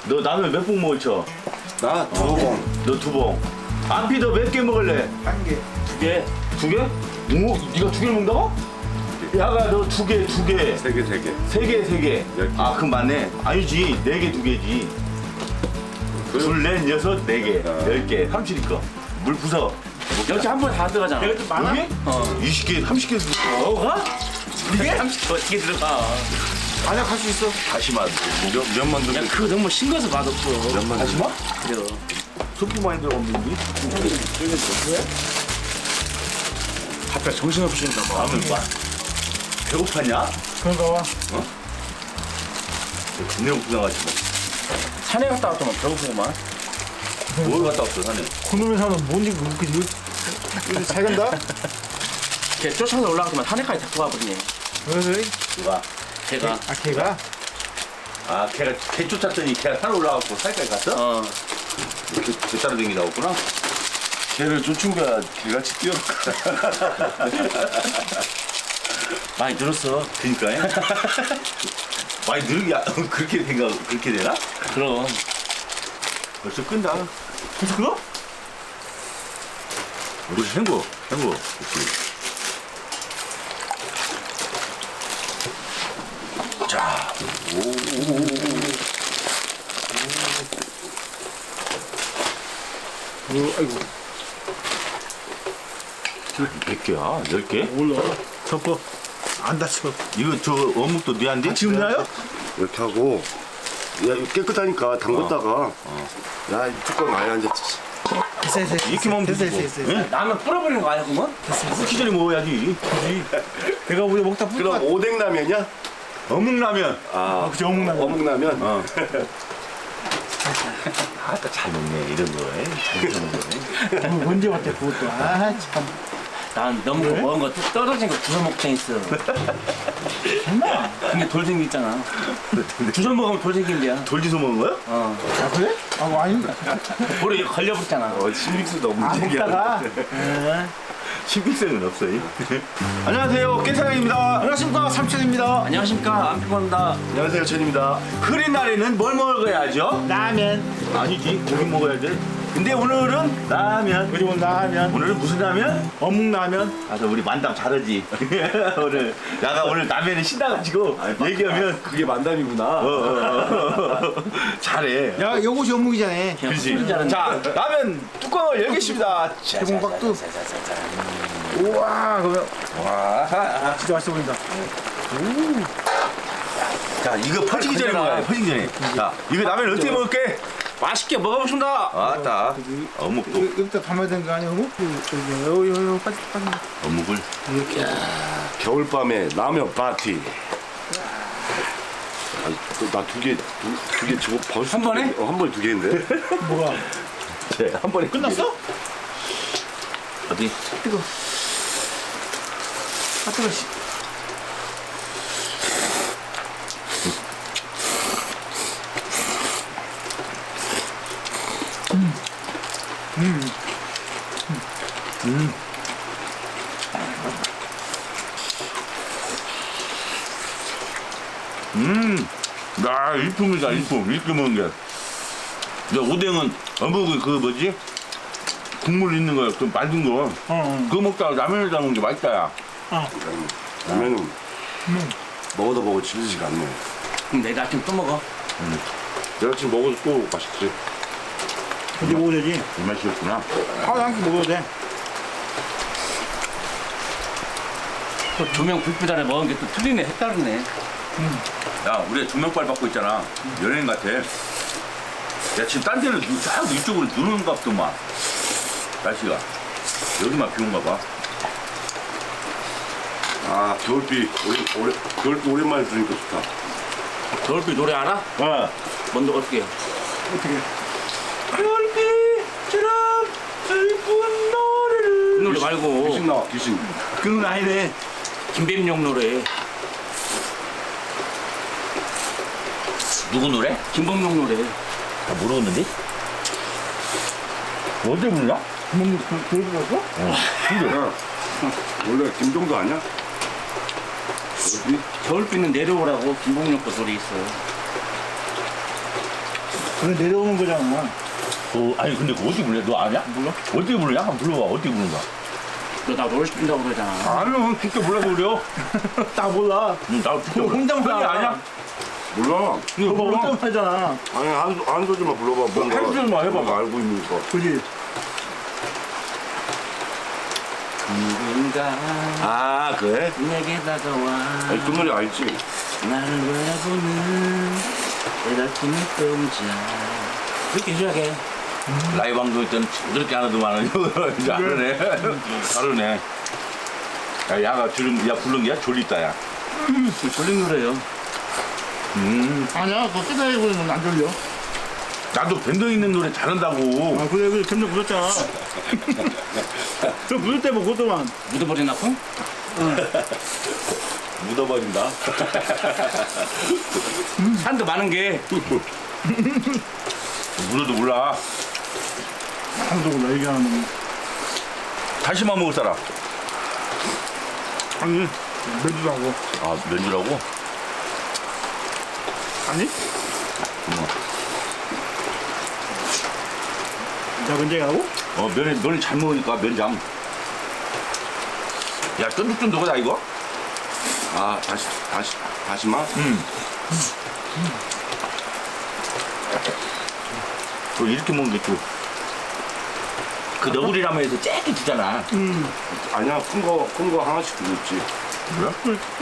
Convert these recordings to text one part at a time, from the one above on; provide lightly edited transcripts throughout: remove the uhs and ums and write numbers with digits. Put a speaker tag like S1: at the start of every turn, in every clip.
S1: 너 라면 몇 봉 먹었죠?
S2: 나 2봉.
S1: 너 2봉. 안피 너 몇 개 먹을래?
S3: 1개.
S1: 2개? 2개? 오, 네가 2개를 먹는다고? 야가 너 2개, 2개.
S2: 3개, 3개.
S1: 3개, 3개.
S2: 10개.
S1: 아, 그럼 맞네. 아니지. 4개, 2개지. 둘, 넷, 여섯, 4개. 10개. 30개. 물 부서.
S4: 역시 한 번에 다 들어가잖아.
S3: 내가 좀 많아?
S1: 이게?
S4: 어.
S1: 20개, 30개 먹어가?
S4: 이게 30개 어떻게 들어가?
S3: 아니야, 갈 수 있어.
S1: 다시마.
S2: 면만 두 개.
S4: 야, 그거 너무 싱거워서 맛없어.
S2: 면만 두 개.
S1: 다시마?
S4: 그래요.
S1: 소프 많이 들어갔는데?
S3: 갑자기 정신없으니까 뭐.
S1: 라면 봐. 배고팠냐?
S3: 그런가 봐.
S1: 동네 고생하지
S4: 산에 갔다 왔더만 배고프구만.
S1: 뭐. 뭘 갔다 왔어, 산에?
S3: 그놈의 사는 뭔지 그렇게 잘 간다?
S4: 걔 쫓아서 올라가더만 산에까지 데리고 와버리네.
S3: 왜?
S1: 누가?
S4: 걔가.
S3: 아, 걔가?
S1: 아, 걔가 개 쫓았더니 걔가 산 올라가고 살까지 갔어?
S4: 어.
S1: 개 따라 다니다 왔구나?
S2: 걔를 쫓은가 개같이 뛰어.
S4: 많이 늘었어.
S1: 그니까요. 많이 느르게, 그렇게 그렇게 되나?
S4: 그럼.
S1: 벌써 끈다.
S3: 벌써 그거?
S1: 우리 헹궈. 그렇지. 자,
S3: 아이고.
S1: 몇 개야? 10개?
S3: 몰라. 덮어. 안 다쳐.
S1: 이거 저 어묵도 네한데?
S3: 지금 나요?
S2: 이렇게 하고. 야, 이거 깨끗하니까 담궜다가. 야, 이 뚜껑 많이 앉았지.
S3: 됐어.
S1: 이렇게 먹으면
S3: 됐어.
S1: 되지 뭐.
S3: 됐어.
S1: 응?
S4: 라면 뿌려버리는 거 아니야, 그러면?
S1: 끓기 전에 먹어야지.
S3: 내가 우리 먹다
S2: 그럼
S3: 뿌리고
S2: 오뎅라면이야?
S1: 어묵라면.
S2: 아,
S3: 그치, 어묵라면.
S2: 어묵라면?
S1: 어. 아따 잘 먹네 이런 거에. 잘 먹네.
S3: 뭐 언제 왔대 그것도. 아, 참.
S4: 난 너무
S3: 왜?
S4: 먹은 거 떨어진 거 주워 먹자 있어.
S3: 정말?
S4: 근데 돌 생기잖아. 주워 먹으면 돌 생긴대야.
S1: 돌지서 먹은 거야?
S4: 어.
S3: 아, 그래? 아, 뭐 아닌가?
S4: 볼에 걸려붙잖아.
S2: 신빙수 너무
S3: 아, 먹다가.
S1: 신빙성은 없어요. 안녕하세요, 깨사장입니다.
S3: 안녕하십니까, 삼촌입니다.
S4: 안녕하십니까. 안 피곤합니다.
S2: 안녕하세요, 천입니다.
S1: 흐린 날에는 뭘 먹어야죠?
S3: 라면.
S1: 아니지, 고기 먹어야 돼. 근데 오늘은 라면.
S3: 그리고 라면.
S1: 오늘은 무슨 라면?
S3: 어묵라면.
S1: 아, 우리 만담 잘하지. 오늘 야가 오늘 라면에 신나가지고 얘기하면
S2: 그게 만담이구나.
S1: 잘해.
S3: 야, 요것이 어묵이잖아.
S4: 그냥
S1: 그렇지.
S4: 소리 잘하는
S1: 자, 라면 뚜껑을 열겠습니다.
S3: 대봉박도. 우와, 그러면. 와, 진짜 맛있어 보인다.
S1: 자, 이거 퍼지기 전에
S4: 건져라.
S1: 먹어야 돼. 퍼지기 전에. 자, 이거 라면 어떻게 먹을게?
S4: 맛있게 먹어보신다.
S1: 아따. 어묵도.
S3: 여기다 담아야 되는 거 아니야, 어묵? 여기, 빠지.
S1: 어묵을.
S2: 겨울밤에 라면 파티. 나 두 개 저거 벌써
S4: 한 번에?
S2: 한 번에 2개인데?
S3: 뭐가?
S1: 네, 한 번에
S3: 끝났어?
S1: 어디?
S3: 뜨거. 아, 뜨거, 씨.
S1: 야, 일품이다, 일품. 이렇게 먹는 게. 야, 오뎅은 어묵은 그 뭐지? 국물 있는 거, 그 만든 거. 그거 먹다가 라면에다 먹는 게 맛있다, 야.
S2: 라면은 먹어도 먹어도 질리지가 않네.
S4: 그럼 내일 아침 또 먹어.
S2: 내가 지금 먹어도 또 맛있지.
S3: 이제 먹어야 되지.
S1: 이 맛이었구나.
S3: 하루에 한 끼 먹어도 돼.
S4: 또 조명 불빛 아래 먹은 게 또 틀리네. 색다르네.
S1: 야, 우리가 조명빨 받고 있잖아. 연예인 같아. 야, 지금 딴 데는 딱 이쪽으로 누르는 것 같더만. 날씨가. 여기만 비 온가 봐.
S2: 아, 겨울비 겨울비 오랜만에 들으니까 좋다.
S4: 겨울비 노래 알아?
S1: 어.
S4: 뭔데 어떻게 해?
S3: 어떻게.
S1: 별빛처럼 슬픈 노래를.
S4: 그 노래 말고
S2: 귀신 나와, 귀신.
S3: 그 노래 아니네.
S4: 김백룡 노래.
S1: 누구 노래?
S4: 김범용 노래.
S1: 다 모르겠는데? 어디 불러?
S3: 먹는 그러고?
S2: 야, 원래 김종도 아니야? 겨울비?
S4: 겨울비는 내려오라고 김범용 거 노래 있어.
S3: 그래 내려오는 거잖아.
S1: 아니 근데 그거 어떻게 불러? 너 아냐?
S3: 몰라?
S1: 어떻게 부르냐? 한번 불러봐. 어떻게 부르는가?
S4: 너나 노래 시킨다고 그러잖아.
S1: 아니요, 진짜 몰라서 그래요.
S3: 딱 몰라.
S1: 나 진짜
S3: 그거 혼자만
S1: 아니
S3: 알아.
S1: 아니야?
S2: 몰라.
S1: 이거
S3: 그거
S1: 몰라.
S3: 혼자만 하잖아.
S2: 아니 한 소절만 불러봐. 뭔가
S1: 한 소절만 해봐.
S2: 뭔가 알고 있는 거.
S3: 그지?
S4: 누군가
S2: 아 그래?
S4: 내게 다가와
S2: 아니, 그 노래 알지?
S4: 나를 바라보는 애달픈 눈동자 이렇게 시작해.
S1: 라이브 방송 때는 저렇게 하나도만 이제 다르네. 다르네. 야, 야가 부른 게야? 졸리다, 야.
S4: 졸린 노래요.
S3: 아니야, 그거 쓰다리 부르면 안 졸려.
S1: 나도 밴드 있는 노래 잘한다고.
S3: 아, 그래, 점점 부었잖아. 저 부을 때 뭐 그것도만.
S4: 묻어버리나고?
S1: 묻어버린다.
S4: 산도 많은 게
S1: 물어도 몰라.
S3: 아무도 몰라, 얘기하는 거.
S1: 다시마 먹을 사람.
S3: 아니, 매주도 하고.
S1: 아, 면주라고?
S3: 아니? 자, 면제하고?
S1: 면을 잘 먹으니까 면장. 야, 쫀득쫀득하다, 이거?
S2: 아 다시마?
S1: 또 이렇게 먹는 게 또. 그 너구리라면에서 쬐게 주잖아.
S2: 아니야 큰 거 하나씩 들었지.
S1: 뭐야?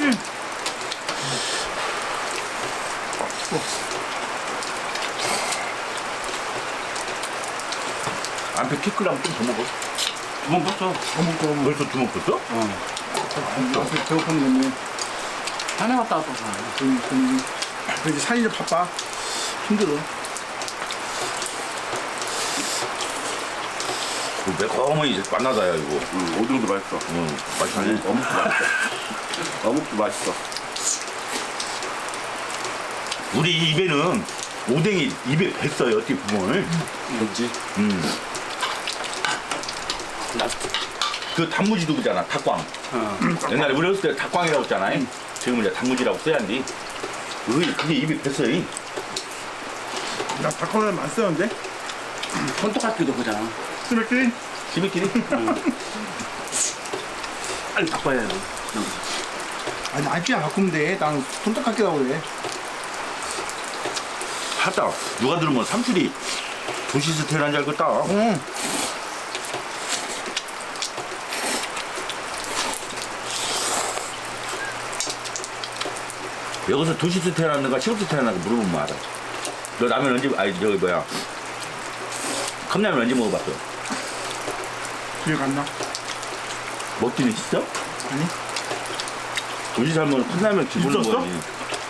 S1: 안에 키클라면 좀 더 먹어.
S4: 두번 봤어.
S3: 어묵,
S1: 벌써 두먹 었어?
S3: 나한테 배고픈 건데.
S4: 산에 갔다 왔다.
S3: 그래서 살이 좀 바빠. 힘들어.
S1: 매콤하니 이제 만나다야, 이거.
S2: 오뎅도 맛있어.
S1: 맛있네.
S2: 어묵도 맛있어. 어묵도 맛있어.
S1: 우리 입에는 오뎅이 입에 뱄어요, 어떻게 보면.
S2: 그렇지.
S1: 그 단무지도 그잖아, 닭광. 옛날에 우리 어렸을 때 닭광이라고 했잖아. 지금은 이제 단무지라고 써야 한디. 그게 입에 뱄어요.
S3: 나 닭강정 많이 쓰는데?
S4: 손톱깎이도 그잖아.
S3: 스매끼리?
S1: 지미끼리?
S4: 빨리 바꿔야 해요.
S3: 아니, 알피야 바꾸면 돼. 난 손톱 깎이라고 그래.
S1: 하다. 누가 들으면 삼촌이 도시스텔 한줄 알겠다.
S3: 응.
S1: 여기서 도시스텔 하는가 시골스텔 하는가 물어보면 알아. 너 라면 언제, 저기 뭐야. 컵라면 언제 먹어봤어?
S3: 기억 안 나?
S1: 먹기는 있어?
S3: 아니?
S1: 도시 살면 컵라면 기분은
S3: 있었어?
S1: 거지.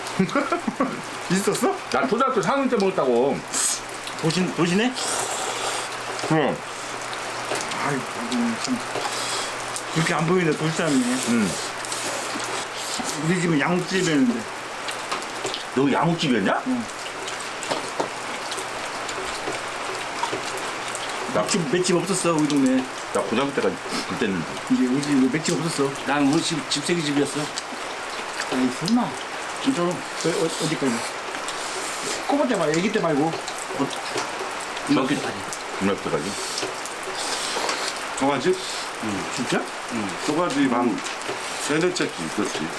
S3: 있었어?
S1: 나 초등학교 4학년 때 먹었다고.
S3: 도시네?
S1: 응.
S3: 아이고, 참. 그렇게 안 보이네, 도시 사람이네.
S1: 응.
S3: 우리 집은 양육집이었는데.
S1: 너 양옥집이었냐?
S3: 맷집 없었어, 우리 동네.
S1: 나 고등학교 때까지 그때는
S3: 이제 우리 집에 맷집 없었어.
S4: 난 우리 집세기 집이었어.
S3: 아니, 설마.
S4: 진짜로.
S3: 어디까지? 꼬마 때 말고, 애기 때 말고.
S4: 중학교 때까지.
S1: 중학교 때까지.
S2: 소가집?
S3: 진짜?
S2: 소가집 한 세네째쯤 있었지.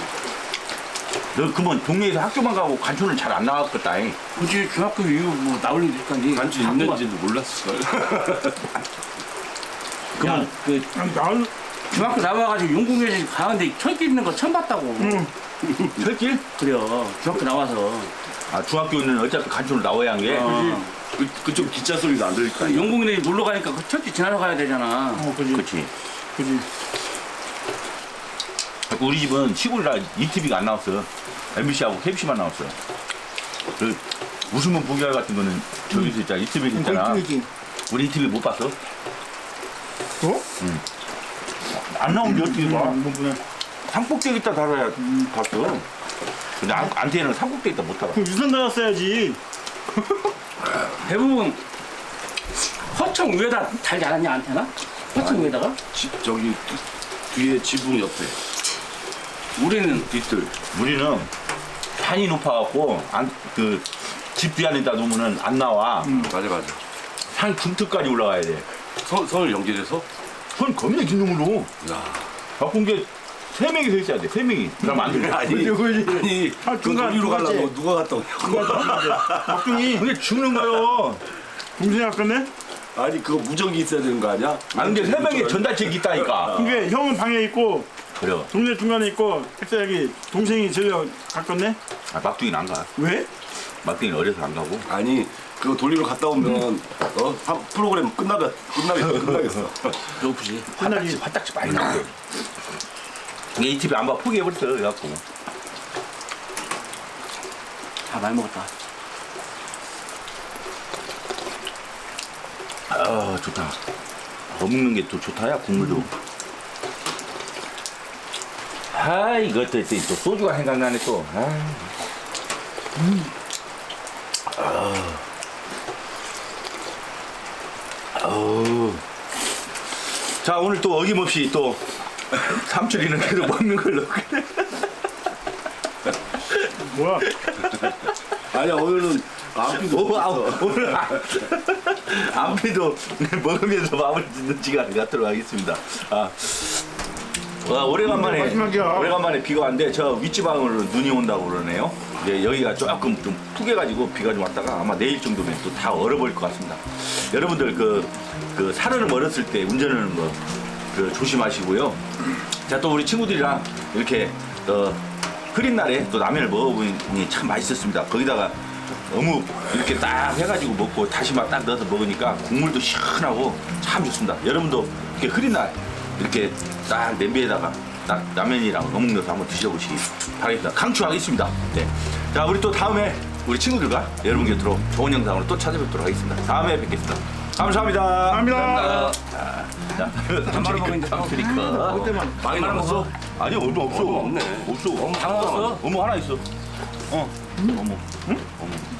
S1: 너 그러면 동네에서 학교만 가고 간촌을 잘 안 나갔겠다.
S4: 굳이 중학교 이후 뭐 나올 일 있을까니.
S2: 간지 있는지도 몰랐을걸.
S4: 그만 그
S3: 아니, 나는,
S4: 중학교 나와가지고 용궁에 가는데 철길 있는 거 처음 봤다고.
S1: 철길?
S4: 그래요. 중학교 나와서.
S1: 아, 중학교는 어차피 간촌을 나와야 한 게.
S2: 그쪽 기차 소리도 안 들릴 거 아니야.
S4: 용궁에 놀러 가니까 그 철길 지나러 가야 되잖아.
S3: 그지.
S1: 그치.
S3: 그지.
S1: 우리 집은 시골이라 ETV가 안 나왔어. MBC하고 KBC만 나왔어. 그 웃으면 보기할 같은 거는 저기서 있잖아. ETV에서 있잖아.
S3: 거기
S1: 우리 ETV 못 봤어?
S3: 어?
S1: 안 나오는데 어떻게 봐?
S3: 뭐, 뭐냐.
S1: 삼국대 있다 달아야 봤어. 근데 안테나는 삼국대 있다 못 달아.
S3: 그럼 유선 나왔어야지.
S4: 대부분 허청 위에다 달지 않았냐 안테나? 허청 위에다가?
S2: 저기 뒤에 지붕 옆에.
S4: 우리는
S1: 뒤뜰. 우리는 산이 높아갖고 그 집 뒤 안에다 놓으면은 안 나와.
S4: 맞아.
S1: 산 군트까지 올라가야 돼.
S4: 선을 연결해서?
S1: 손 겁나 긴 놈으로.
S4: 야.
S1: 바꾼 게 3명이 서 있어야 돼. 3명이. 그러면 안 돼.
S4: 아니, 아니,
S3: 아,
S4: 그
S3: 중간,
S4: 놀이로
S3: 중간째.
S4: 가려고 누가 갔다 오냐고.
S3: 막둥이
S1: 근데 죽는 거요.
S3: 동생이 아꼈네?
S4: 아니, 그거 무전기 있어야 되는 거 아니야?
S1: 아 근데 3명이 전달책이 있다니까.
S3: 그게 형은 방에 있고
S1: 그래.
S3: 동생 중간에 있고 햇살이 동생이 저기가 가깝네?
S1: 아, 막둥이는 안 가.
S3: 왜?
S1: 막둥이는 어려서 안 가고.
S4: 아니, 그거 돌리러 갔다 오면 프로그램 끝나겠어. 배고프지?
S1: 화딱지 많이 나고. 이 집에 안 봐. 포기해버렸어. 그래갖고.
S4: 많이 먹었다.
S1: 아 좋다. 먹는 게 또 좋다야 국물도. 아 이것도 또 소주가 생각나네 또. 자 오늘 또 어김없이 또 삼촌이는 계속 먹는 걸로.
S3: 뭐야?
S4: 아니야, 오늘은
S1: 오늘 안피도 먹으면서 마무리 짓는 시간 갖도록 하겠습니다. 오래간만에
S3: 마지막이야.
S1: 오래간만에 비가 왔는데 저 윗지방으로 눈이 온다고 그러네요. 이제 여기가 조금 좀 푹해가지고 비가 좀 왔다가 아마 내일 정도면 또 다 얼어버릴 것 같습니다. 여러분들 그 살을 멀었을 때 운전은 그 조심하시고요. 자 또 우리 친구들이랑 이렇게 흐린 날에 또 라면을 먹어보니 참 맛있었습니다. 거기다가 어묵 이렇게 딱 해가지고 먹고 다시마 딱 넣어서 먹으니까 국물도 시원하고 참 좋습니다. 여러분도 이렇게 흐린 날 이렇게 딱 냄비에다가 딱 라면이랑 어묵 넣어서 한번 드셔보시기 바라겠습니다. 강추하겠습니다. 네. 자 우리 또 다음에 우리 친구들과 여러분 곁으로 좋은 영상으로 또 찾아뵙도록 하겠습니다. 다음에 뵙겠습니다. 감사합니다.
S3: 감사합니다.
S1: 자,
S4: 한 마리 먹는데
S1: 삼촌이니까.
S3: 그때만
S4: 많이 남았어?
S1: 아니 얼마 없어.
S4: 얼마 없네.
S1: 없어.
S4: 다 먹었어?
S1: 어묵 하나 있어. 어묵. 응? 어묵.